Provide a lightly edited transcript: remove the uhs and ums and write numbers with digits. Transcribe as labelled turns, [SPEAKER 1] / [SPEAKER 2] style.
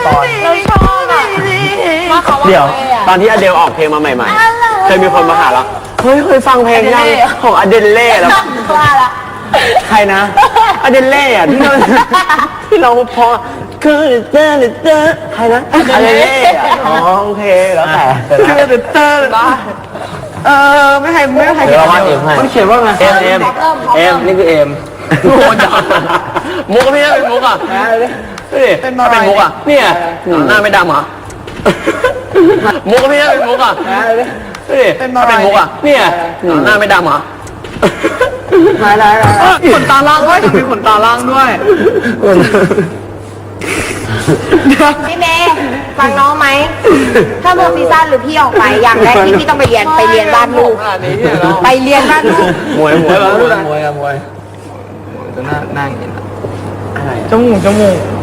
[SPEAKER 1] ตอน
[SPEAKER 2] เราชอบอ่ะมาเขาว่า
[SPEAKER 1] เดี๋ยวตอนที่อเดลออกเพลงมาใหม่ๆเคยมีคนมาหาเราเฮ้ยเคยฟังเพลงยังของอเดลเล่แล้ว
[SPEAKER 2] ว่าละ
[SPEAKER 1] ใครนะอเดลเล่อะที่เราพอคือเตอร์ใครนะอเดลเล่อะอ๋อโอเคแล้วแต่คือเตอร์ไม่ให้เดี๋ยวเราวาดเอ็มให้มันเขียนว่าไงเอ็มนี่คือเอ็มโอ้ยมุกพี่เป็นมุกอ่ะนี่ถ้าเป็นมุกอ่ะเนี่ยหน้าไม่ดำเหรอมุกพี่เป็นมุกอ่ะนี่ถ้าเป็นมุกอ่ะเนี่ยหน้าไม่ดำเหรอได้ขนตาล่างด้วยมีขนตาล่างด้วย
[SPEAKER 2] พี่เมย์ฟังน้องไหมถ้าโมซีซั่นหรือพี่ออกไปอย่างแรกที่พี่ต้องไปเรียนวาดรูปไปเรียนวาดรูป
[SPEAKER 1] มวยจะหน้าอย่างนี้อะไรจมูก